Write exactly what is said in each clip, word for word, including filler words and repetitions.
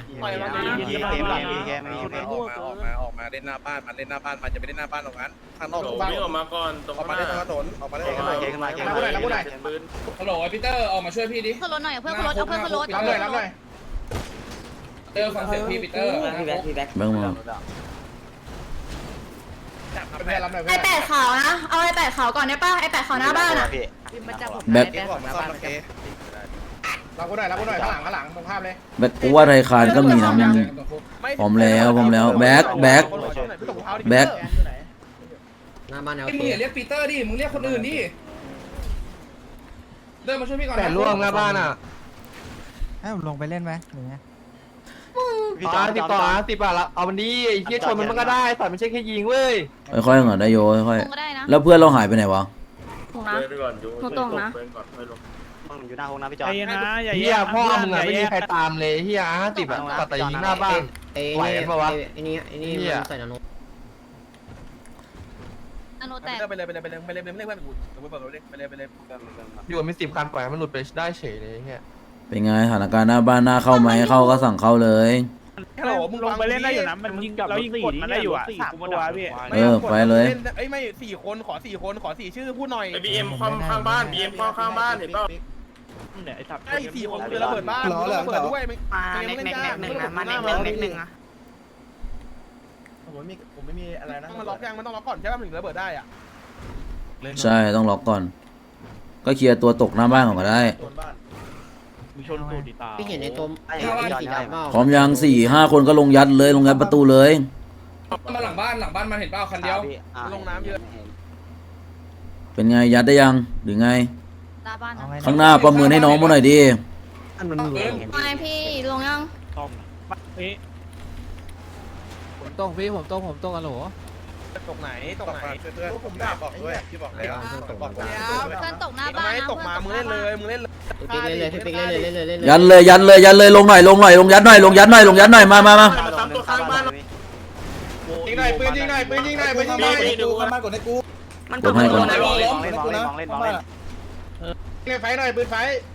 ปล่อยมันนะพี่เกมพี่เกมพี่เกมออกมาออกมาออกมาเล่นหน้าบ้านมันเล่นหน้าบ้านมันจะไปเล่นหน้าบ้านตรงนั้นข้างนอกตรงบ้านวิ่งออกมาก่อนตรงออกมาเล่นถนนออกมาเล่นถนนเกมมาเกมมาเกมมาปืนฮัลโหลพีเตอร์ออกมาช่วยพี่ดิขึ้นรถหน่อยเพื่อนขึ้นรถเอาเพื่อนขึ้นรถรับเลยรับเลยเตอร์ฟังเสียงพี่พีเตอร์พี่แบ็คพี่แบ็คแบงค์มาเพื่อนรับหน่อยไอเพื่อนแปดขาวนะเอาไอแปดขาวก่อนได้ป่ะไอแปดขาวหน้าบ้านอ่ะแบ็คเกมออกมาซ่อมเกมรับกูหน่อยรับกูหน่อยข้างหลังข้างหลังตรงข้ามเลยแบ็คกูว่าไทยคานก็มีนะมึงผมแล้วผมแล้วแบ็คแบ็คแบ็คหน้าบ้านแนวไอ้มึงอย่าเรียกปีเตอร์ดิมึงเรียกคนอื่นดิเดินมาช่วยพี่ก่อนแต่ล่วงหน้าบ้านอ่ะให้ผมลงไปเล่นไหมหรือไงต่อสิบต่อสิบอ่ะเอามันดีไอ้เหี้ยชนมันมันก็ได้แต่ไม่ใช่แค่ยิงเว้ยค่อยๆเหรอได้โยค่อยลงก็ได้นะๆแล้วเพื่อนเราหายไปไหนวะถูกนะเดินไปก่อนอยู่หนูตรงนะเดินก่อนค่อยลงอยู่หน้าห้องน้ำพี่จอใจเย็นนะอย่าเหี้ยพ่อมึงอ่ะไม่มีใครตามเลยเหี้ยห้าสิบอ่ะตัดแต่ยิงหน้าบ้านไอ้ไหวนี่กันปะวะไอ้นี่ไอ้นี่เหี้ยใส่นาโนอโนแตกไปเลยไปเลยไปเลยไปเลยไปเลยไปเลยไปเลยไปเลยไปเลยอยู่มีสิบคันปล่อยให้มันหลุดไปได้เฉยเลยเหี้ยเป็นไงสถานการณ์หน้าบ้านหน้าเข้าไหมเข้าก็สั่งเข้าเลยฮัลโหลมึงลงไปเล่นได้อยู่นะมันยิงเรายิงกดมันได้อยู่อ่ะสามตัวพี่เออไปเลยเอ้ยไม่สี่คนขอสี่คนขอสี่ชื่อพูดหน่อยไอ้บีเอ็มความข้างบ้านบีเอ็มความข้างบ้านเห็นเปล่าไอ้สี่คนคือระเบิดบ้านระเบิดด้วยมาเน็กเน็กเน็กหนึ่งนะมาเน็กเน็กเน็กหนึ่งนะผมไม่มีผมไม่มีอะไรนะมันล็อกยังมันต้องล็อกก่อนใช่ป่ะถึงระเบิดได้อ่ะใช่ต้องล็อกก่อน ก็เคลียร์ตัวตกหน้าบ้านก่อนก็ได้มีชนตูดตาพี่เห็นในตัวไอ้สีดำเปล่าพร้อมยังสี่ห้าคนก็ลงยัดเลยลงยัดประตูเลยมาหลังบ้านหลังบ้านมันเห็นเปล่าคันเดียวลงน้ำเยอะเป็นไงยัดได้ยังหรือไงหน้าบ้านนะข้างหน้าประเมินให้น้องมาหน่อยดิอันมันหลุดไม่พี่ลงยังต้มนี่ผมต้องพี่ผมต้องผมต้องอะโหลตกไหนตกไหนเพื่อนผมได้บอกด้วยพี่บอกแล้วบอกแล้วเพื่อนตกหน้าทำบ้าไมนนะตกมามึงเล่นเลยมึงเล่นเลยพี่ปิ๊กเล่นเลยพี่ปิ๊กเล่นเลยเล่นเลยเล่นเลยยันเลยยันเลยยันเลยลงหน่อยลงหน่อยลงยัดหน่อยลงยัดหน่อยลงยัดหน่อยมามามามาตามตัวข้างบ้านยิงหน่อยปืนยิงหน่อยปืนยิงหน่อยปืนยิงหน่อยดูมันมากดให้กูกดให้ก่อนลองเล่นลองเล่นลองเล่นลองเล่นลองเล่นเล่นไฟหน่อยปืนไฟ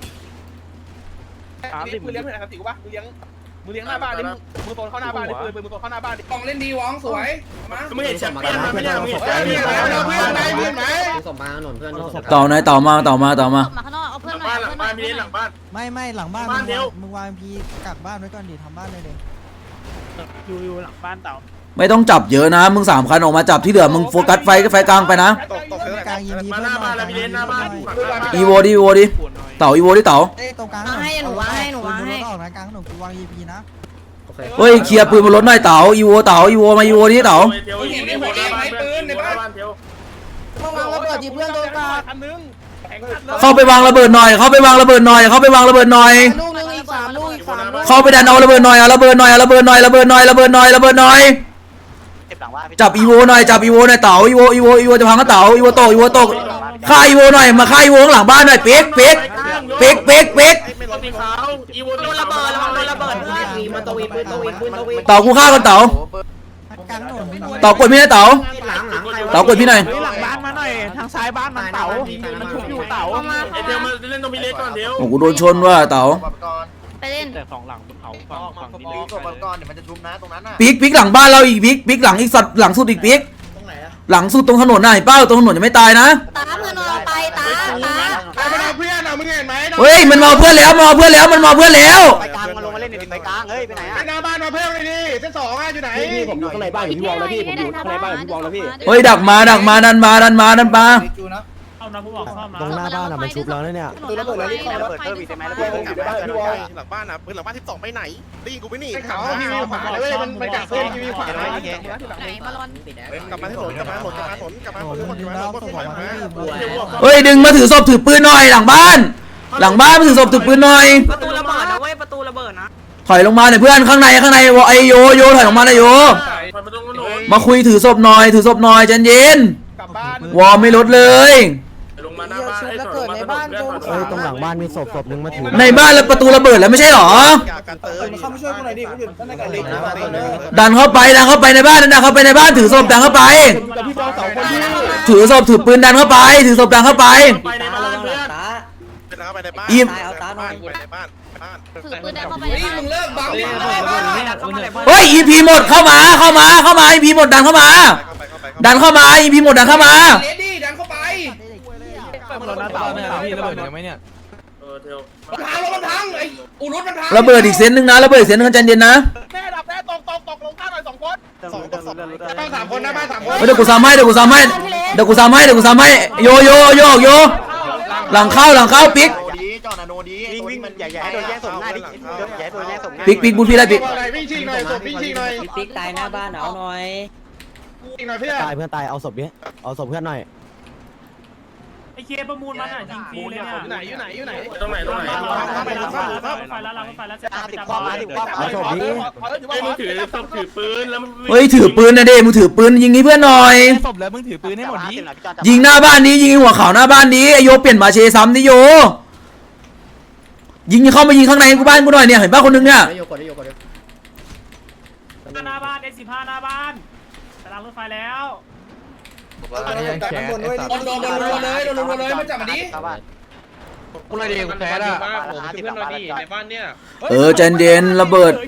มึงเลี้ยงเพื่อนอะไรติวปะมึงเลี้ยงมึงเลี้ยงหน้าบ้านดิมึงโซนเข้าหน้าบ้านดิปืนปืนมึงโซนเข้าหน้าบ้านดิกองเล่นดีวองสวยมามึงเห็นแชมเปี้ยนมั้ยไม่ใช่มึงเห็นเฮ้ยมีอะไรเราเพื่อนไหนเพื่อนไหนส่งมาถนนเพื่อนส่งเต่าไหนเต่ามาเต่ามาเต่ามาตกมาข้างนอกเอาหเพื่อนลังหน่อบ้าย นหลังบ้านพี่เล่นหลังบ้านไม่ไม่หลังบ้านบ้านเดียวมึงวางพีกักบ้านไว้ก่อนดิทำบ้านเลยเด็อยู่อยู่หลังบ้านเต่าไม่ต้องจับเยอะนะมึงสามคันออกมาจับที่เหลือมึงโฟกัสไฟก็ไฟกลางไปนะตกตกเยอะกลางยิงพีมาเพื่หอนน้าบ้านแล้วพี่เล่นหน้าบ้านอีโวดิอีโวดิเต่าอีโวดิเต่าเอ้ยตรงกลางมาให้หนูวางให้หนูวางให้ออกนะกลางถนนกูวางยีพีนะโอเคเฮ้ยเคลียร์ปืนบนรถหน่อยเต่าอีโวเต่าอีโวมาอีโวดิเต่าเดี๋ยวยิงในบ้านเพื่อนในบ้านเดี๋ยวมาวางระเบิดยิงเพื่อนโดนกลางคันนึงเข้าไปวางระเบิดหน่อยเข้าไปวางระเบิดหน่อยเข้าไปวางระเบิดหน่อยลูกนึงอีกสามลูกอีกสามลูกเข้าไปดันเอาระเบิดหน่อยเอาระเบิดหน่อยเอาระเบิดหน่อยระเบิดหน่อยระเบิดหน่อยระเบิดหน่อยจับอีโวหน่อยจับอีโวหน่อยเต่าอีโวอีโวอีโวจะพังก็เต่าอีโวตกอีโวตกฆ่าอีโวหน่อยมาฆ่าอีโวข้างหลังบ้านหน่อยเป๊กเป๊กเป๊กเป๊กเป๊กรถสีขาวอีโวโดนระเบิดโดนระเบิดวีมาตัววีปืนตัววีปืนตัววีเต่ากูฆ่ากันเต่ากลางถนนเต่ากดพี่หน่อยเต่าหลังหลังใครเต่ากดพี่หน่อยหลังบ้านมาหน่อยทางซ้ายบ้านมันเต่ามันชุบอยู่เต่าเข้ามาไอเดียวมาเล่นตรงพี่เล็กก่อนเดี๋ยวโอ้กูโดนชนว่ะเต่าไปเล่นแต่สองหลังบนเขาฝั่งฝั่งนี้ปีกก่อนก่อนเดี๋ยวมันจะชุบนะตรงนั้นน่ะปิ๊กปิ๊กหลังบ้านเราอีกปิ๊กปิ๊กหลังอีกสัตว์หลังสุดอีกปิ๊กตรงไหนอะหลังสุดตรงถนนน่ะเห็นเป้าตรงถนนยังไม่ตายนะตาเพื่อนเราไปตาตาไอ้มันเอาเพื่อนอ่ะมึงเห็นไหมเฮ้ยมันมาเพื่อนแล้วมาเพื่อนแล้วมันมาเพื่อนแล้วไปกลางมาลงมาเล่นในไปกลางเฮ้ยไปไหนไอ้หน้าบ้านมาเพิ่มเลยดิเส้นสองอ่ะอยู่ไหนผมอยู่ข้างในบ้านพี่วองแล้วพี่ผมอยู่ข้างในบ้านพี่วองแล้วพี่เฮ้ยดักมาดักมาดันมาดันมาดันมาเข้านะผู้บอกเข้ามาตรงหน้าบ้านอ่ะมันชุบแล้วเนี่ยตัวระเบิดแล้วรีบเข้าระเบิดเพิ่มอีกได้ไหมระเบิดอยู่ในบ้านพี่วอหลังบ้านอ่ะปืนหลังบ้านสิบสองไปไหนได้ยินกูไม่หนีไอ้เขาทีวีขวาเลยมันมันกัดเส้นทีวีขวาไหนมาลอนกลับมาที่ถนนกลับมาถนนกลับมาถนนกลับมาถนนกลับมาถนนกลับมาถนนเฮ้ยดึงมาถือศพถือปืนหน่อยหลังบ้าน หลังบ้านมาถือศพถือปืนหน่อยประตูระเบิดนะเว้ยประตูระเบิดนะถอยลงมาหน่อยเพื่อนข้างในข้างในไอโยโยถอยลงมาหน่อยโยไปมาตรงถนนมาคุยถือศพหน่อยถือศพหน่อยใจเย็นกลับบ้านวอร์มไม่ลดเลยลงมาหน้าบ้านให้ถอยมาถนนเพื่อนตรงหลังบ้านมีศพศพนึงมาถือในบ้านแล้วประตูระเบิดแล้วไม่ใช่หรอการเติมเข้ามาช่วยกูหน่อยดิกูอยู่ข้างในกันเลยดันเข้าไปดันเข้าไปในบ้านดันเข้าไปในบ้านถือศพดันเข้าไปกับพี่บอลสองคนที่ถือศพถือปืนดันเข้าไป ถือศพดันเข้าไปไปในบ้านเพื่อนเป็นเข้าไปในบ้านอิ่มไปในบ้านไปในบ้านไปบ้านถือปืนเดินเข้าไปเฮ้ยมึงเลิกบังดิเฮ้ย อี พี หมดเข้ามาเข้ามาเข้ามา อี พี หมดดันเข้ามาเข้าไปเข้าไปดันเข้ามา อี พี หมดดันเข้ามาเลดี้ดันเข้าไปเราหน้าเต่าเนี่ยพี่ระเบิดยังไหมเนี่ยเออเดี๋ยวมันพังรถมันพังไอ้อูรุษมันพังระเบิดอีกเซนหนึ่งนะระเบิดอีกเซนหนึ่งใจเย็นนะแม่ดับแม่ตกตกตกลงข้างหน่อยสองคนสองสองบ้านสามคนนะบ้านสามคนเฮ้ยเดี๋ยวกูซ้ำให้เดี๋ยวกูซ้ำให้เดี๋ยวกูซ้ำให้เดี๋ยวกูซ้ำให้โยโยโยโยหลังเข้าหลังเข้าปิ๊กจอนาโนดีวิ่งวิ่งมันใหญ่ใหญ่โดนแย่งส่งหน้าดิใหญ่โดนแย่งส่งหน้าปิ๊กปิ๊กบุญพี่ได้ปิ๊กวิ่งชิงหน่อยส่งวิ่งชิงหน่อยปิ๊กตายหน้าบ้านเอาหน่อยชิงหน่อยเพื่อนตายเพื่อนตายเอาศพนี้เอาศพเพื่อนหน่อยไอเคประมูลมันอ่ะยิงฟรีเลยเนี่ยอยู่ไหนอยู่ไหนอยู่ไหนตรงไหนตรงไหนไปแล้วไปแล้วไปแล้วติดความมาติดความเอาศพนี้ไอ้มึงถือต้องถือปืนแล้วมึงเฮ้ยถือปืนนะเด้มึงถือปืนยิงให้เพื่อนหน่อยศพแล้วมึงถือปืนให้หมดดิยิงหน้าบ้านนี้ยิงหัวเขาหน้าบ้านนี้ไอโยเปลี่ยนมาเชซ้ำดิโยยิงเข้ามายิงข้างในกูบ้านกูหน่อยเนี่ยเห็นป่ะคนนึงเนี่ยได้โยกดได้โยกดได้หน้าบ้านเอสิบห้าหน้าบ้านไปรางรถไฟแล้วยังแขนไอ้สัตว์โดนโดนโดนรัวเลยโดนรัวเลยมาจับมาดิกูเลยเดียวกูแพ้ละเออใจเย็นระเบิด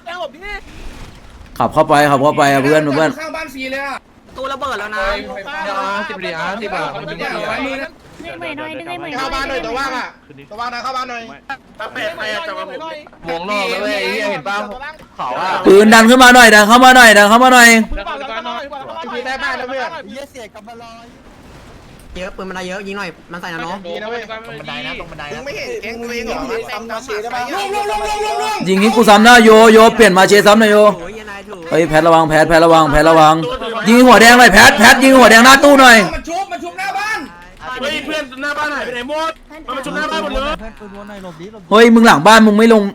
ขับเข้าไปขับเข้าไปอะเพื่อนเพื่อนข้างบ้านฟรีเลยอ่ะประตูระเบิดแล้วนะเดี๋ยวสิบเหรียญสิบบาทมันจะเอาไว้มือนะดึงใหม่หน่อยดึงใหม่หน่อยเข้าบ้านหน่อยตัวว่างอ่ะตัวว่างนะเข้าบ้านหน่อยถ้าเป็ดใครจะมาผมวงนอกแล้วเว้ยไอ้เหี้ยเห็นป่ะเขาอะปืนดันขึ้นมาหน่อยดันเข้ามาหน่อยดันเข้ามาหน่อยพี่ได้บ้านแล้วเพื่อนเยี่ยเสียกลับมาลอยเยอะปืนมันได้เยอะยิงหน่อยมันใส่นะน้องดีนะเว้ยตรงบันไดนะตรงบันไดมึงไม่เห็นแก๊งตัวเองเหรอซ้ำน้ำเสียได้ปะลงลงลงลงลงลงยิงนี้กูซ้ำหน้าโยโยเปลี่ยนมาเชซ้ำหน่อยโยโอ้ยนายถูกเฮ้ยแพทระวังแพทแพทระวังแพทระวังยิงหัวแดงหน่อยแพทแพทยิงหัวแดงหน้าตู้หน่อยมันชุบมันชุบหน้าบ้านเฮ้ยเพื่อนหน้าบ้านหายไปไหนหมดมันมาชุบหน้าบ้านหมดเลยเพื่อนปืนวนหน่อยหลบดิหลบเฮ้ยมึงหลังบ้านมึงไม่ลง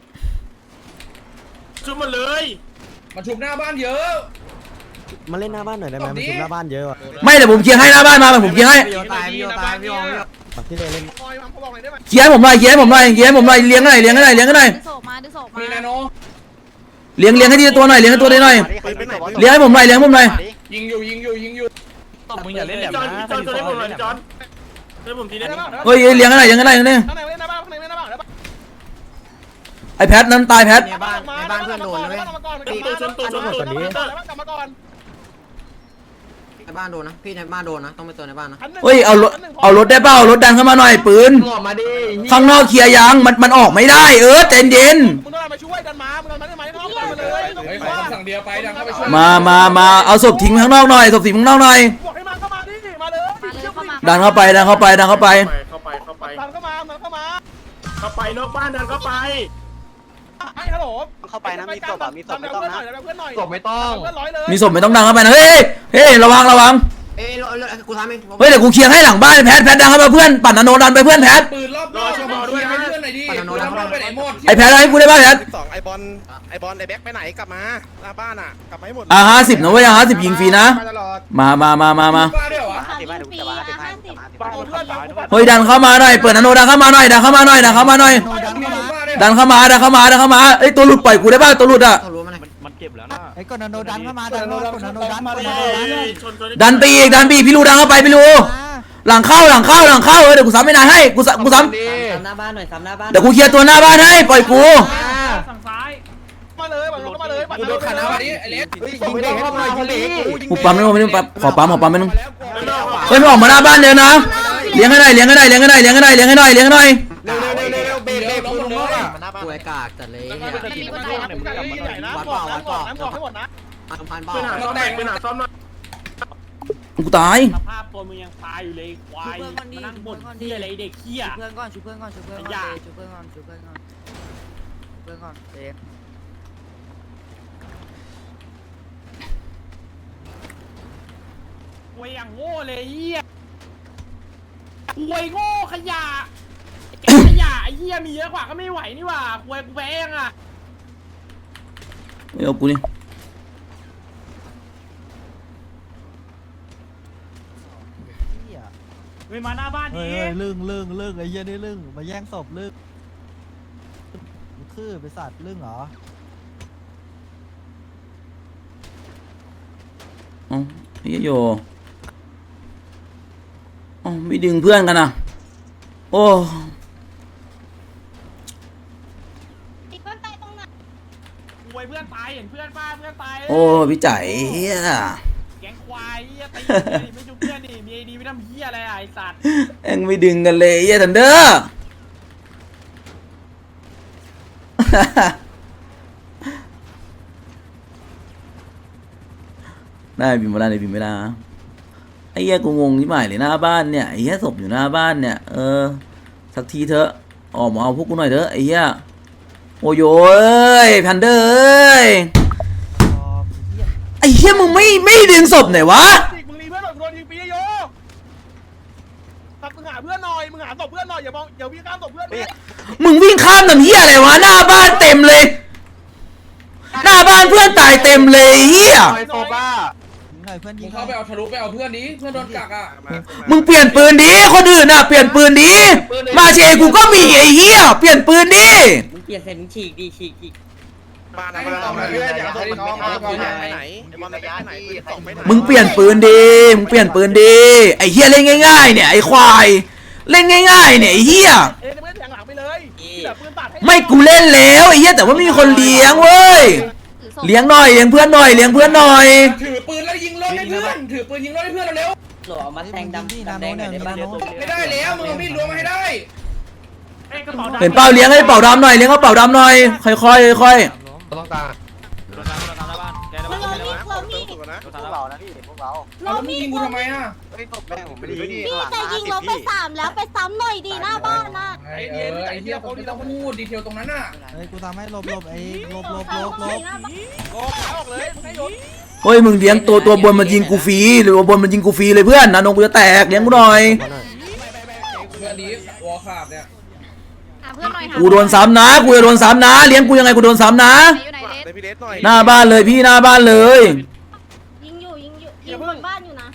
ชุบหมดเลยมันชุบหน้าบ้านเยอะมาเล่นหน้าบ้านหน่อยได้ไหมมันชุบหน้าบ้านเยอะว่ะไม่เดี๋ยวผมเคลียร์ให้หน้าบ้านมาผมเคลียร์ให้พี่โยตายพี่โยตายพี่โยที่เลยเล่นเคลียร์ให้ผมหน่อยเคลียร์ให้ผมหน่อยเคลียร์ให้ผมหน่อยเลี้ยงหน่อยเลี้ยงหน่อยเลี้ยงหน่อยดึงศพมาดึงศพมามีนาโนเลี้ยงเลี้ยงให้ทีละตัวหน่อยเลี้ยงให้ตัวได้หน่อยเลี้ยงให้ผมหน่อยเลี้ยงให้ผมหน่อยยิงอยู่ยิงอยู่ยิงอยู่มึงอย่าเล่นแบบจอนนะจอนจอนให้ผมหน่อยจอนให้ผมทีนี้เฮ้ยเลี้ยงให้หน่อยเลี้ยงให้หน่อยเนี่ยข้างในในบ้านข้างในในบ้านไอแพทนั้นตายแพทในบ้านในบ้านเพื่อนโดนนะเว้ยตัวชนตัวชนตัวนี้กลับมาก่อนในบ้านโดนนะพี่ในบ้านโดนนะต้องไปเตือนในบ้านนะเฮ้ยเอารถเอารถได้เปล่าเอารถดันเข้ามาหน่อยปืนออกมาดิข้างนอกเคลียร์ยังมันมันออกไม่ได้เออใจเย็นมึงต้องมาช่วยดันมามึงดันมาได้ไหมเข้าบ้านมาเลยเฮ้ยขอคำสั่งเดียวไปดังเข้าไปช่วยมามามาเอาศพทิ้งข้างนอกหน่อยศพทิ้งข้างนอกหน่อยบอกให้มาเข้ามาดิมาเลยมาเลยเข้ามาดันเข้าไปดันเข้าไปดันเข้าไปเข้าไปเข้าไปดันเข้ามาดันเข้ามาเข้าไปนอกบ้านเดินเข้าไปไอ้ฮัลโหลเข้าไปนะมีศพอ่ะมีศพไม่ต้องนะเพื่อนหน่อยศพไม่ต้องเพื่อนร้อยเลยมีศพไม่ต้องดังเข้าไปนะเฮ้ยเฮ้ยระวังระวังเอ้ยกูทำเองเฮ้ยเดี๋ยวกูเคลียร์ให้หลังบ้านแพทแพทดังเข้ามาเพื่อนปั่นนาโนดันไปเพื่อนแพทปืนรอบรอบช่วยบอกด้วยให้เพื่อนหน่อยดิปืนรอบไปไหนหมดไอแพทเอาให้กูได้ป่ะแพทสองไอบอลไอบอลไอแบ็คไปไหนกลับมาหน้าบ้านอ่ะกลับมาให้หมดอ่ะห้าสิบนะเว้ยอ่ะห้าสิบยิงฟรีนะตลอดมามามามามาบ้าด้วยเหรอห้าสิบปีอะห้าสิบเพื่อนเฮ้ยดันเข้ามาหน่อยเปิดนาโนดันเข้ามาหน่อยดันเข้ามาหน่อยดันเข้ามาหน่อยโนดันเข้ามาดันเข้ามาดันเข้ามาดันเข้ามาเอ้ยตัวหลุดปล่อยกูได้ป่ะตัวหลุดอ่ะเขารู้มั้ยไอ้กดนาโนดันเข้ามาดันเข้ามากดนาโนดันกดนาโนดันชนชนดันไปอีกดันไปอีกพี่รูดันเข้าไปพี่รูหลังเข้าหลังเข้าหลังเข้าเออเดี๋ยวกูซ้ำไม่นานให้กูซ้ำกูซ้ดิซ้ำหน้าบ้านหน่อยซ้ำหน้าบ้านำเดี๋ยวกูเคลียร์ตัวหน้าบ้านให้ปล่อยกูฝั่งซ้ายมาเลยบังเข้ามาเลยกูโดนขาหน้าวันนี้ไอ้เล็กยิงเด็กเข้ามาคนนี้กูปั๊มไม่ลงไม่ลงปั๊มขอปั๊มขอปั๊มไม่ลงเฮ้ยไม่ออกมาหน้าบ้านเดี๋ยวนะเลี้ยงให้หน่อยเลี้ยงให้หน่อยเลี้ยงให้หน่อยเลี้ยงให้หน่อยเลี้ยงให้หน่อยเลี้ยงให้หน่อยเร็วเร็วเร็วเร็วเบรกเบรกคุณลงรถอ่ะกูไอ้กากจัดเลยเนี่ยมันมีคนตายนะใหญ่นะบอกนะบอกนะบอกให้หมดนะอันพันบ้าปืนหาซ้อมแตกปืนหาซ้อมหน่อยกูตายสภาพตัวมึงยังตายอยู่เลยควายมานั่งบ่นเหี้ยอะไรเด็กเหี้ยเพื่อนก่อนชูเพื่อนก่อนชูเพื่อนก่อนชูเพื่อนก่อนชูเพื่อนก่อนชูเพื่อนก่อนเด็กควยอย่างโง่เลยเหี้ยควยโง่ขยะไอ้แกขยะไอ้เหี้ยมีเยอะกว่าก็ไม่ไหวนี่หว่าควยกูแพ้ยังอ่ะไม่เอากูนี่ไม่มาหน้าบ้านเฮ้นี้ยลึ่งลึ่งลึ่งไอ้เหี้ยนี่ลึ่งมาแย่งศพลึ่งคือไปสัตว์ลึ่งเหรออ๋อไอ้โยอ๋อไม่ดึงเพื่อนกันนะโอ้ควยเพื่อนตายเห็นเพื่อนป้าเพื่อนตายโอ้พี่ใจเฮียแก๊งควายเหี้ยตีดิไม่จุเพื่อนดิมีไอดีไม่ทำเหี้ยอะไรอ่ะไอ้สัตว์เอ็งไม่ดึงกันเลยเฮียทันเดอร์ ได้บินมาได้เลยบินไม่ได้นะไอ้เหี้ยกูงงที่หมายเลยหน้าบ้านเนี่ยไอ้เหี้ยศพอยู่หน้าบ้านเนี่ยเออสักทีเถอะออกมาเอาพวกกูหน่อยเถอะไอ้เหี้ยโอ้ยเอ้ยพันเดอร์เอ้ยไอ้เหี้ยมึงไม่ไม่ดึงศพหน่อยวะมึงรีเพื่อนหน่อยโดนยิงปีโยตัดมึงหาเพื่อนหน่อยมึงหาศพเพื่อนหน่อยอย่ามองอย่าวิ่งข้ามศพเพื่อนมึงวิ่งข้ามน้ำเหี้ยอะไรวะหน้าบ้านเต็มเลย หน้าบ้านเพื่อนตายเต็มเลยเหี้ยไอโซบ้าหน่อยเพื่อนยิมึงงเข้าไปเอาทะลุไปเอาเพื่อนนี้เพื่อนโดนกักอ่ะมึงเปลี่ยนปืนดิคนอื่นน่ะเปลี่ยนปืนดิมาเชกูก็มีไอ้เหี้ยเปลี่ยนปืนดิมึงเปลี่ยนเสร็จมึงฉีกดีฉีกอีกมานะมานะมาเพื่อนอย่าส่งน้องมาไปไหนไอ้บอลไปไหนส่งไปไหนมึงเปลี่ยนปืนดิมึงเปลี่ยนปืนดิไอ้เหี้ยเล่นง่ายๆเนี่ยไอ้ควายเล่นง่ายๆเนี่ยไอ้เหี้ยเอ้ยไม่แทงหลังไปเลยแบบปืนตัดให้ไม่กูเล่นแล้วไอ้เหี้ยแต่ว่าไม่มีคนเลี้ยงเว้ยเลี้ยงหน่อยเลี้ยงเพื่อนหน่อยเลี้ยงเพื่อนหน่อยถือปืนแล้วยิงรถให้เพื่อนถือปืนยิงรถให้เพื่อนเร็วหล่อมาแทงดำที่นาโนเนี่ยนาโนไม่ได้แล้วมึงเอามีดล้วงมาให้ได้เห็นเป้าเลี้ยงให้เป่าดำหน่อยเลี้ยงเขาเป่าดำหน่อยค่อยๆค่อยต้องการเรามีเรามีพวกนะพวกเรานะพี่พวกเราเอาแล้วมึงยิงกูทำไมอ่ะเฮ้ยตบแม่ผมไม่ดีพี่จะยิงเราไปสามแล้วไปซ้ำหน่อยดีหน้าบ้านนะไอ้เออไอ้เหี้ยคนที่ต้องพูดดีเทลตรงนั้นน่ะเฮ้ยกูทำให้หลบหลบไอ้หลบหลบหลบหลบโอ้ขาออกเลยมึงให้โยนๆเฮ้ยมึงเลี้ยงตัวตัวบนมันยิงกูฟรีหรือว่าบนมันยิงกูฟรีเลยเพื่อนนะนงกูจะแตกเลี้ยงกูหน่อยเพื่อนดีวอลขาบเนี่ยเพื่อนหน่อยกูโดนซ้ำนะกูจะโดนซ้ำนะเลี้ยงกูยังไงกูโดนซ้ำนะอยู่ไหนเลสในพี่เดชหน่อยหน้าบ้านเลยพี่หน้าบ้านเลยยิงอยู่ยิงอยู่ยิงบนบ้านอยู่นะ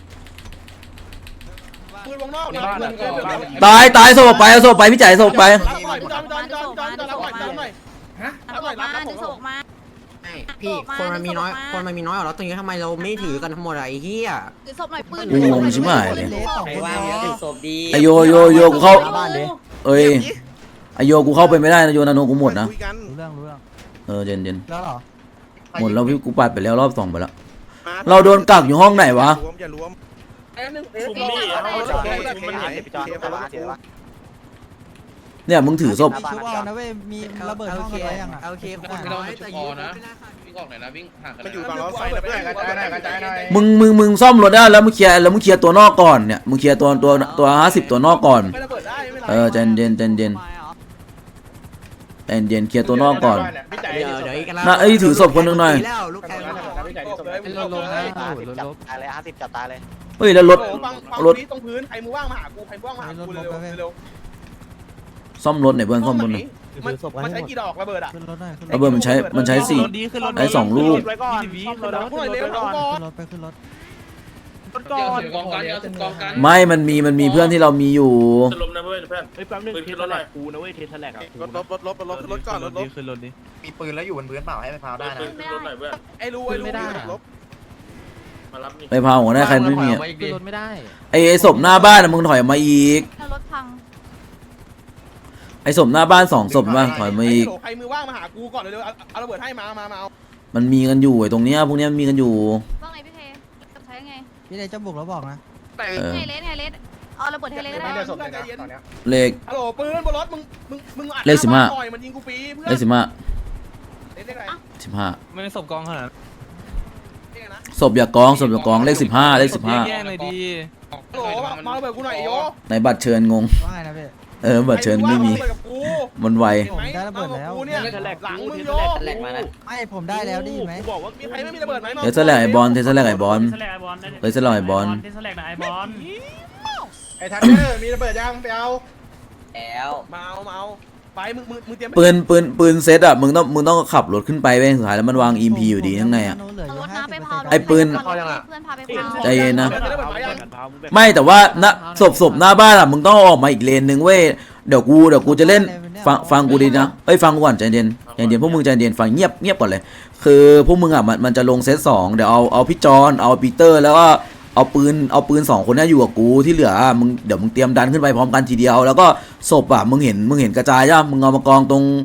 ปืนวงนอกนะตายตายสบไปเอาสบไปพี่จ่ายสบไปรับหน่อยจอนจอนจอนจอนจอนรับหน่อยรับหน่อยฮะตำรวจมาดึงศพมาไม่พี่คนมันมีน้อยคนมันมีน้อยกว่าเราตรงนี้ทำไมเราไม่ถือกันทั้งหมดอะไอ้เหี้ยถือศพหน่อยปืนกูงงชิบหายเลยเลสสองคนถือศพดีไอโยโยโยกูเข้าเอ้ยไอโยกูเข้าไปไม่ได้นะโยนาโนกูหมดนะคุยกันรู้เรื่องรู้เรื่องเออเย็นเย็นแล้วเหรอหมดแล้วพี่กูปัดไปแล้วรอบสองไปแล้ว เราโดนกักอยู่ห้องไหนวะรวมอย่ารวมไอ้หนึ่งชุมนี่เอาศพชุมมันเห็นพี่จอนเอาละเดี๋ยวเนี่ยมึงถือศพชุบเอานะเว้ยมีระเบิดห้องกันไว้ยังอ่ะโอเคคนน้อยแต่ยิงไม่ได้ค่ะวิ่งออกหน่อยนะวิ่งห่างกันมันอยู่ฝั่งรถไฟนะเพื่อนกระจายหน่อยกระจายหน่อยมึงมึงมึงซ่อมรถได้แล้วมึงเคลียร์แล้วมึงเคลียร์ตัวนอกก่อนเนี่ยมึงเคลียร์ตัวตัวตัวห้าสิบตัวนอกก่อนไม่ระเบิดได้ไม่เป็นไรเออใจเย็นใจเย็นใจเย็นเคลียร์ตัวนอกก่อนพี่ใจเดี๋ยวเดี๋ยวอีกน่ะเอ้ยถือศพคนหนึ่งหน่อยแล้วลูกแกพี่ใจดิศพเลยลบลบนะลบลบตายเลยห้าสิบจับตายเลยเฮ้ยแล้วรถโอ้ฟังฟังรถนี้ตรงพื้นใครมือว่างมาหากูใครมือว่างมาหากูเร็วเร็วซ่อมรถหน่อยเพื่อนซ่อมรถหน่อยมันมันใช้กี่ดอกระเบิดอ่ะขึ้นรถหน่อยขึ้นรระถเบิดมันใช้มันใช้สี่ใช้สองลูกไว้ก่อนขึ้นรถหน่อยเร็วก่อนขึ้นรถไปขึ้นรถเดี๋ยวถือกองกันเดี๋ยวถือกองกันไม่มันมีมันมีเพื่อนที่เรามีอยู่จะล้มนะเพื่อนเพื่อนเฮ้ยแป๊บนึงขึ้นรถหน่อยกูนะเว้ยเทสแลกอ่ะรถรถรถรถรถรถก่อนรถรถขึ้นรถดิมีปืนแล้วอยู่บนพื้นเปล่าให้ไปพาวได้นะขึ้นรถหน่อยเพื่อนไอ้รู้ไอ้รู้ลบมารับนี่ไปพาหัวหน้าใครไม่มีอะขึ้นรถไม่ได้ไอไอศพหน้าบ้านอะมึงถอยออกมาอีกแล้วรถพังไอศพหน้าบ้านสองศพมาถอยมาอีกใครมือว่างมาหากูก่อนเร็วเอาระเบิดให้มามามาเอามันมีกันอยู่ไอตรงเนี้ยพวกเนี้ยมีกันอยู่ว่าไงพี่เทใช้ไงพี่เลยจะบุกแล้วบอกนะเออไงเลสไงเลสเอาระเบิดให้เลสไม่ได้ได้สนใจเย็นเลขฮัลโหลปืนบนรถมึงมึงมึงอัดหน่อยมันยิงกูฟรีเพื่อนเลขสิบห้าเล่นได้ไงสิบห้าไม่ได้ศพกองขนาดศพอย่ากองศพอย่ากองเลขสิบห้าเลขสิบห้าแย่เลยดีฮัลโหลมาระเบิดกูหน่อยโยในบัตรเชิญงงว่าไงนะพี่เออบัตรเชิญไม่มี มันไวกูเนี่ยหลังมึงโยแหลกมานะไม่ผมได้แล้วได้ยินไหมกูบอกว่ามีใครไม่มีระเบิดไหมเทสแลกไอบอลเทสแลกไอบอลเทสแลกไอบอลเทสแลกไอบอลเทสแลกไอบอลไอ้ทันเดอร์มีระเบิดยังไปเอาแล้วมาเอามาเอาไปมึงมึงมึงเตรียมปืนปืนปืนเซตอะมึงต้องมึงต้องขับรถขึ้นไปเว้ยสุดท้ายแล้วมันวางอีพีอยู่ดีข้างในอะเอารถน้ำไปเผาไอ้ปืนเพื่อนพาไปเผาใจเย็นนะระเบิดไหมยังไม่แต่ว่าณศพศพหน้าบ้านอะมึงต้องเอาออกมาอีกเลนนึงเว้ยเดี๋ยวกูเดี๋ยวกูจะเล่นฟังฟังกูดีนะเอ้ยฟังกูก่อนใจเย็นใจเย็นพวกมึงใจเย็นฟังเงียบเงียบก่อนเลย คือพวกมึงอะมันมันจะลงเซตสองเดี๋ยวเอาเอาพี่จอนเอาปีเตอร์แล้วก็เอาปืนเอาปืนสองคนนี้อยู่กับกูที่เหลือมึงเดี๋ยวมึงเตรียมดันขึ้นไปพร้อมกันทีเดียวแล้วก็ศพอะมึงเห็นมึงเห็นกระจายใช่ปะมึงเอามากองตรง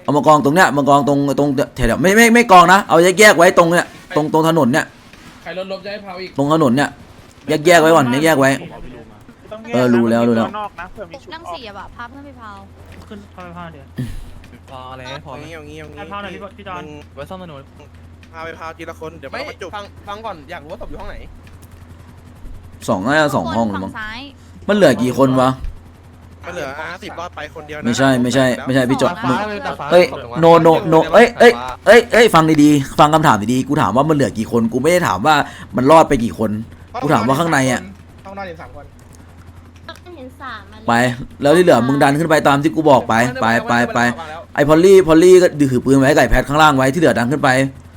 เอามากองตรงเนี้ยมากองตรงตรงแถวๆไม่ไม่ไม่กองนะเอาแยกแยกไว้ตรงเนี้ยตรงตรงถนนเนี้ยใครรถลบจะให้เผาอีกตรงถนนเนี้ยแยกแยกไว้ก่อนแยกแยกไว้เออรู้แล้วรู้แล้วนั่งสี่อะแบบพาเพื่อนไปเผาขึ้นพาไปพาเดี๋ยวพออะไรพอเอางี้เอางี้เอางี้พาหน่อยพี่พี่จอนไว้ซ่อมถนนพาไปพาทีละคนเดี๋ยวไม่มาจุกฟังฟังก่อนอยากรู้ว่าศพอยู่ห้องไหนสองน่าจะสองห้องฝั่มั้งงซ้ายมันเหลือกี่คนวะมันเหลืออาสิบรอดไปคนเดียวนะไม่ใช่ไม่ใช่ไม่ใช่พี่จอดฟ้าเลยแต่ฟ้าเฮ้ยโนโนโนเอ้ยเอ้ยเอ้ยเอ้ยฟังดีๆฟังคำถามดีๆกูถามว่ามันเหลือกี่คนกูไม่ได้ถามว่ามันรอดไปกี่คนกูถามว่าข้างในอ่ะห้องนอนอยู่สามคนเห็นสามมาไปแล้วที่เหลือมึงดันขึ้นไปตามที่กูบอกไปไปไปไปไอพอลลี่พอลลี่ก็ถือปืนไว้ไก่แพทข้างล่างไว้ที่เหลือดันขึ้นไป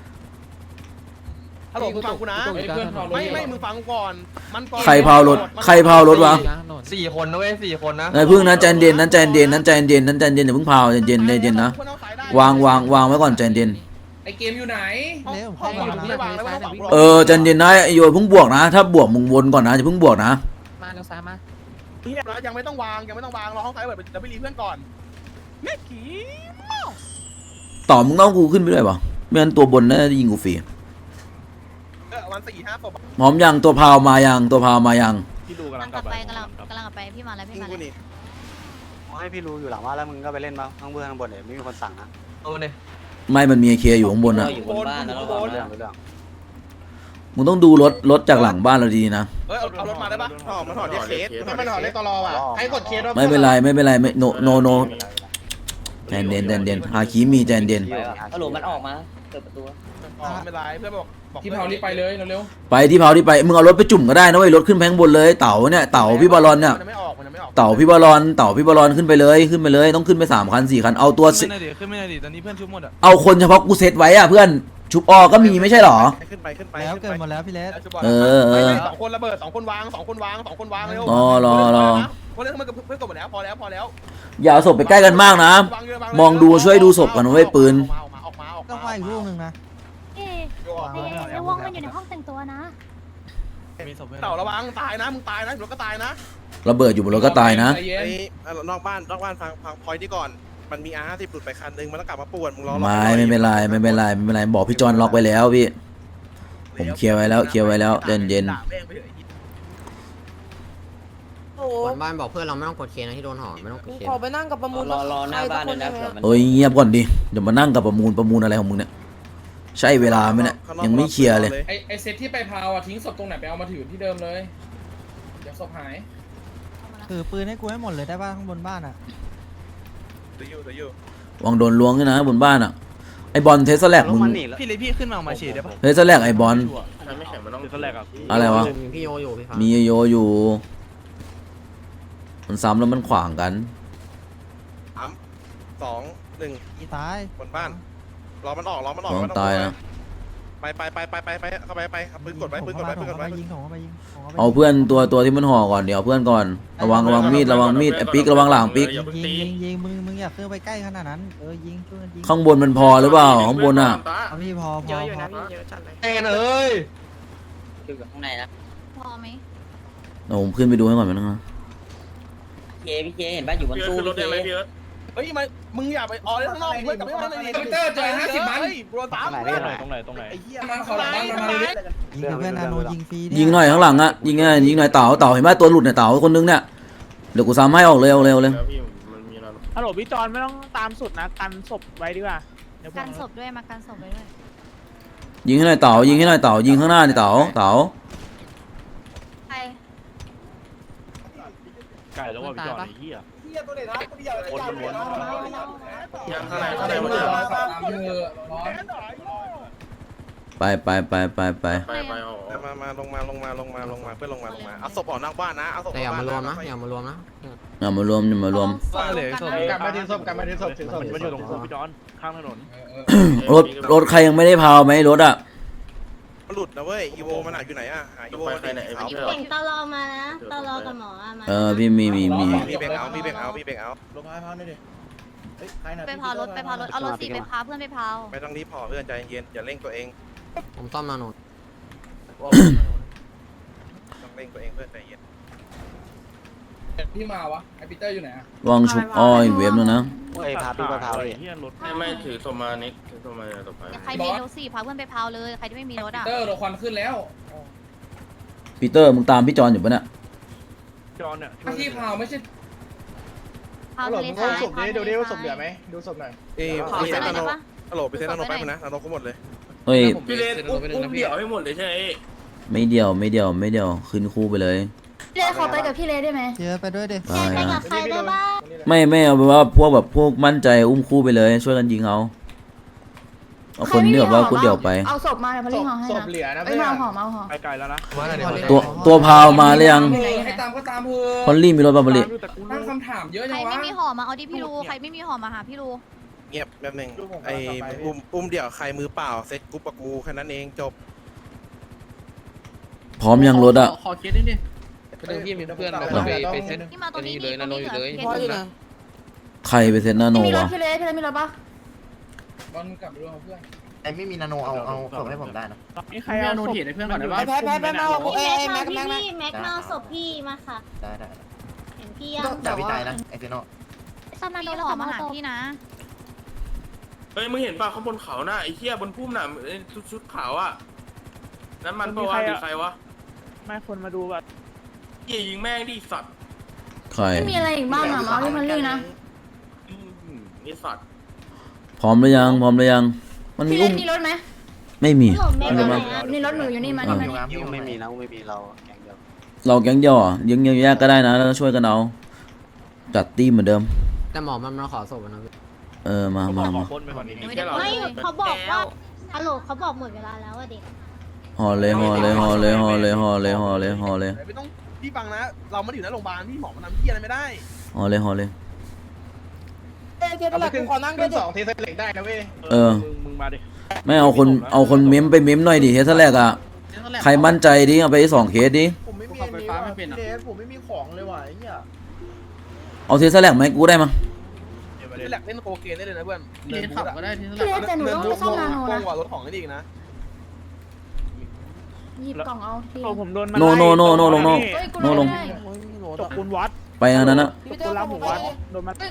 ฮัลโหลมึงฟังกูนะเฮ้ยเพื่อนเผารถไม่ไม่มึงฟังก่อนมันก่อนใครเผารถใครเผารถวะสี่คนนะเว้ยสี่คนนะนายพึ่งนั้นใจเย็นนั้นใจเย็นนั้นใจเย็นนั้นใจเย็นอย่าเพิ่งเผาใจเย็นใจเย็นนะวางวางวางไว้ก่อนใจเย็นไอเกมอยู่ไหนเร็วห้องวางไม่วางแล้วห้องวางเออใจเย็นนะไอโยเพิ่งบวกนะ ถ้าบวกมึงวนก่อนนะอย่าเพิ่งบวกนะมาเร็วซ้ายมาเงียบนะยังไม่ต้องวางยังไม่ต้องวางรอห้องซ้ายเปิดเดี๋ยวไปรีเพื่อนก่อนแม่ขี่ต่อมึงต้องกูขึ้นไปด้วยป่ะไม่งั้นตัวบนน่าจะยิงกูฟรีเออวันสี่ห้าศพพร้อมยังตัวพาวมายังตัวพาวมายังพี่ดูกำกำลัลังงกกลัลับบ ไปไปกำลังกำลังกลับไปพี่มาแล้วพี่ยิงมากูแล้วนี่ให้พี่รู้อยู่หลังว่าแล้วมึงก็ไปเล่นมาข้างเบื้องข้างบนเลยไม่มีคนสั่งนะเอามาเลยไม่มันมีไอเคอยู่ข้างบนอ่ะอยู่บนบ้านแล้วก็เรื่องเรื่องมึงต้องดูรถรถจากหลังบ้านเราดีนะเออเอาเอารถมาได้ปะถอดมันถอดเรียกเคสไม่มันถอดเลขตลอว่ะให้กดเคสไม่เป็นไรไม่เป็นไรไม่โนโนโนใจเย็นใจเย็นฮาคิมีใจเย็นฮัลโหลมันออกมาเปิดประตูไม่เป็นไรเพื่อนบอกบอกที่เผารีบไปเลยเร็วไปที่เผาที่ไปมึงเอารถไปจุ่มก็ได้นะเว้ยรถขึ้นไปข้างบนเลยเต่าเนี่ยเต่าพี่บอลลอนเนี่ยมันไม่ออกมันไม่ออกเต่าพี่บอลลอนเต่าพี่บอลลอนขึ้นไปเลยขึ้นไปเลยต้องขึ้นไปสามคันสี่คันเอาตัวสิขึ้นไม่ได้ดิขึ้นไม่ได้ดิตอนนี้เพื่อนชุบหมดอ่ะเอาคนเฉพาะกูเซตไว้อะเพื่อนชุบออก็มีไม่ใช่หรอขึ้นไปขึ้นไปแล้วขึ้นเกิดไปหมดแล้วพี่เลสเออเออสองคนระเบิดสองคนวางสองคนวางสองคนวางเร็วรอรอรอคนเล่นมันกับเพื่อนกดหมดแล้วพอแล้วพอแล้วอย่าเอาศพไปใกล้กันมากนะ มองดูช่วยดูศพกันนะเว้ยปืนออกมาออกมาออกมาออกก็มาว่าอีกลูกหนึ่งนะเอ๊ะในวงมันอยู่ในห้องแต่งตัวนะมีศพเพื่อนเต่าระวังตายนะมึงตายนะรถก็ตายนะระเบิดอยู่บนรถก็ตายนะใจเย็ไอ้นนอกบ้านนอกบ้านฟังฟังพอยที่ก่อนมันมีอาร์ห้าสิบหลุดไปคันนึงมันต้องกลับมาป่วนมึงรอไม่ไม่เป็นไรไม่เป็นไรไม่เป็นไรบอกพี่จอนล็อกไว้แล้วพี่ผมเคลียร์ไว้แล้วเคลียร์ไว้แล้วเย็นเย็นบนบ้านบอกเพื่อนเราไม่ต้องกดเคนะที่โดนห่อไม่ต้องกดเคขอไปนั่งกับประมูลรอรอหน้าบ้านเลยนะเผื่อมันโอ้ยเงียบก่อนดิเดี๋ยวมานั่งกับประมูลประมูลอะไรของมึงเนี่ยใช่เวลาไหมเนี่ยยังไม่เคลียร์เลยไอไอเซตที่ไปเผาอ่ะทิ้งศพตรงไหนไปเอามาถือที่เดิมเลยเดี๋ยวศพหายถือปืนให้กูให้หมดเลยได้ป่ะข้างบนบ้านอ่ะเดี๋ยวอยู่เดี๋ยวอยู่วางโดนล้วงด้วยนะบนบ้านอ่ะไอบอลเทสแลกลมึงงมันหนีแล้วพี่เลยพี่ขึ้นมาเอามาฉีดได้ปะเทสแลกไอบอลไม่แข็งมันต้องขึ้นแรกอ่ะอะไรวะมีพี่โยอยู่พี่ฟ้ามีโยอยู่ มันซ้ำแล้วมันขวางกันสามสองหนึ่งอีตายบนบ้านรอมันออกรอมันออกลองไม่ต้องตายกลัวนะไปไปไปไปไปไปเข้าไปไปเอาปืนกดไว้ปืนกดไว้ปืนกดไว้ยิงของเข้าไปยิงของเข้าไปเอาเพื่อนตัวตัวที่มันห่อก่อนเดี๋ยวเอาเพื่อนก่อนระวังระวังมีดระวังมีดไอ้ปิ๊กระวังหลังปิ๊กยิงยิงยิงมึงมึงอย่าเคลื่อนไปใกล้ขนาดนั้นเออยิงช่วยกันยิงข้างบนมันพอหรือเปล่าข้างบนอ่ะเอาพี่พอพอพอแอนเอ้ยอยู่ข้างในนะพอไหมเดี๋ยวผมขึ้นไปดูให้ก่อนมันนะเคพี่เคเห็นป่ะอยู่บนตู้พี่เคเฮ้ยมามึงอย่าไปออกเลยข้างนอกเพื่อนกลับไม่มาในนี้ทวิตเตอร์เจอห้าสิบมันเฮ้ยโดนตามไหนเพื่อนตรงไหนตรงไหนไอ้เหี้ยมาเขาหลังบ้านมามาเลยยิงกับเพื่อนนาโนยิงฟรีเนี่ยิงหน่อยข้างหลังอ่ะยิงไงยิงหน่อยเต่าเต่าเห็นไหมตัวหลุดเนี่ยเต่าคนนึงเนี่ยเดี๋ยวกูซ้ำให้ออกเร็วเร็วเลยฮัลโหลพี่จอนไม่ต้องตามสุดนะกันศพไว้ดีกว่าเดี๋ยวผมกันศพด้วยมากันศพไว้ด้วยยิงให้หน่อยเต่ายิงให้หน่อยเต่ายิงข้างหน้านี่เต่าเต่าใครไก่แล้วว่าพี่จอนไอ้เหี้ยเหี้ยตัวไหนนะตัวเดียวคนล้วนยังข้างในข้างในมันเหลือตามเธอร้อนไปไปไปไปไปไปไปออกมามาลงมาลงมาลงมาลงมาเพื่อนลงมาลงมาเอาศพออกนอกบ้านนะเอาศพอแต่อกอย่ามารวมนะบ้อย่ามารวมนะอย่ามารวมอย่ามารวมกลับมาที่ศพกลับมาที่ศพถึงศพมันอยู่ตรงพี่จอนข้างถนนรถรถใครยังไม่ได้พาวไหมรถอ่ะมันหลุดนะเว้ยอีโวมันหายอยู่ไหนอ่ะหาอีโวมันดิเอาเก่งตลอมานะตลอกับหมออะมาเออพี่มีมีมีมีเบรกเอามีเบรกเอามีเบรกเอาลงมาพาวหน่อยดิไปพารถไปพารถเอารถสีไปพาเพื่อนไปพาวไม่ต้องรีบพอเพื่อนใจเย็นอย่าเร่งตัวเองผมซ่อมนาโนต้องเร่งตัวเองเพื่อนใจเย็นพี่มาวะไอปีเตอร์อยู่ไหนอะวางชุบอ้อยเวฟแล้วนะเฮ้ยพาพี่ไปพาเลยไม่ไม่ถือสมานิกถือสมาต่อไปใครมีรถสี่พาเพื่อนไปพาวเลยใครที่ไม่มีรถปีอ่ะเตอร์เราควันขึ้นแล้วปีเตอร์มึงตามพี่จอนอยู่ปะเนี่ยจอนเนี่ยถ้าที่พาวไม่ใช่พาวฮัลโหลทะเลมึงทราเอายศพนี้ดูดิว่าศพเหลือไหมดูศพหน่อยเอ้ยขอพี่เซ็เซ็นนหน่นาอยโนได้ปะฮัลโหลพี่เซ็นนาโนไปนะนาโนก็หมดเลยเฮ้ยพี่เลนอุ้มอุ้มเดี่ยวให้หมดเลยใช่ไหมไม่เดียวไม่เดียวไม่เดียวขึ้นคู่ไปเลยเลขอไปกับพี่เลได้ไหมเจอไปด้วยดิไปไปกับใครได้บ้างไม่ไม่เอาเป็นว่าพวกแบบพวกมั่นใจอุ้มคู่ไปเลยช่วยกันยิงเอาเอาคนที่แบบว่าคู่เดียวไปเอาศพมาเดี๋ยวพลิงห่อให้ศนะพเหลือนะเอ้เพื่ยอนมาห่อมาห่อไปไกลแล้วนะตัวตัวพาวมาหรือยังให้ตามก็ตามเถอพอลลี่มีรถบาบาริตั้งคำถามเยอะใคจัรงวะไม่มีห่อมาเอาดิพี่รูใครไม่มีห่อมาหาพี่รูเงียบแป๊บนึงไอ้อุ้มอุ้มเดี่ยวใครมือเปล่าเซ็ตกรุ๊ปกับกูแค่นั้นเองจบพร้อมยังรถอะขอเคสนิดนึงเรื่องพี่มีเพื่อนไปไปเซ็นที่มาตรงนี้เลยนะโนอยู่เลยใครไปเซ็นหน้าโนมีรถวะพี่เลพี่เลมีรถปะบอลกลับไปดูเพื่อนไอ้ไม่มีนาโนเอาเอาส่งให้ผมได้นะนี่ใครเอาโนเทียให้เพื่อนก่อนได้ปะแพ้แพ้แพ้มาเอ้ยแม็กแม็กแม็กมาศพพี่มาค่ะได้ได้เห็นพี่ยังจ่าวิจัยนะไอเซโนซัมมาโดนห่อมาหาพี่นะเฮ้ยมึงเห็นป่ะข้างบนเขาน่ะไอ้เหี้ยบนพุ่มน่ะชุดชุดขาวอ่ะนั่นมันปะวะหรือใครวะไม่คนมาดูว่าเหี้ยยิงแม่งดิสัตว์ใครไม่มีอะไรอีกบ้างอ่ะมาที่มันลี่นะนี่สัตว์พร้อมหรือยังพร้อมหรือยังมันมีพี่เลอุ้มมีรถไหมไม่มีไม่มีนี่รถหนูอยู่นี่มานี่มานี่ยูไม่มีนะไม่มีเราแข่งเดียวเราแก๊งเดียวอ่ะยังยังแยกก็ได้นะแล้วก็ช่วยกันเอาจัดตีมเหมือนเดิมแต่หมอมันมาขอศพนะเออมามามาคนไปก่อนนี้ไม่เขาบอกว่าฮัลโหลเขาบอกหมดเวลาแล้วอ่ะเด็กห่อเลยห่อเลยห่อเลยห่อเลยห่อเลยห่อเลยห่อเลยไม่ต้องพี่ฟังนะ เราไม่ได้อยู่ในโรงพยาบาลพี่หมอมันทำที่อะไรไม่ได้ห่อเลยห่อเลยเราไปขึ้นขึ้นสองเทสเล็กได้นะเว้ยเออมึงมาดิไม่เอาคนเอาคนเม้มไปเม้มหน่อยดิเฮสแรกอ่ะใครมั่นใจดิเอาไปสองเคสดิผมไม่มีไฟฟ้าไม่เป็นอ่ะผมไม่มีของเลยว่ะไอ้เหี้ยเอาเทสแรกไหมกูได้มั้งเทสแลกเล่นโคเคนได้เลยนะเพื่อนเดินขับก็ได้พี่เลแต่หนูต้องไปซ่อมนาโนโกนะงกว่ารถของนี่อีกนะหยิบกล่องเอาพี่ผมโดนโนโนโนโนลงโนเฮ้ยกูโนลงได้จบคุณวัดไปอันนั้นนะพี่เตอร์รับผมว่าโดนมัน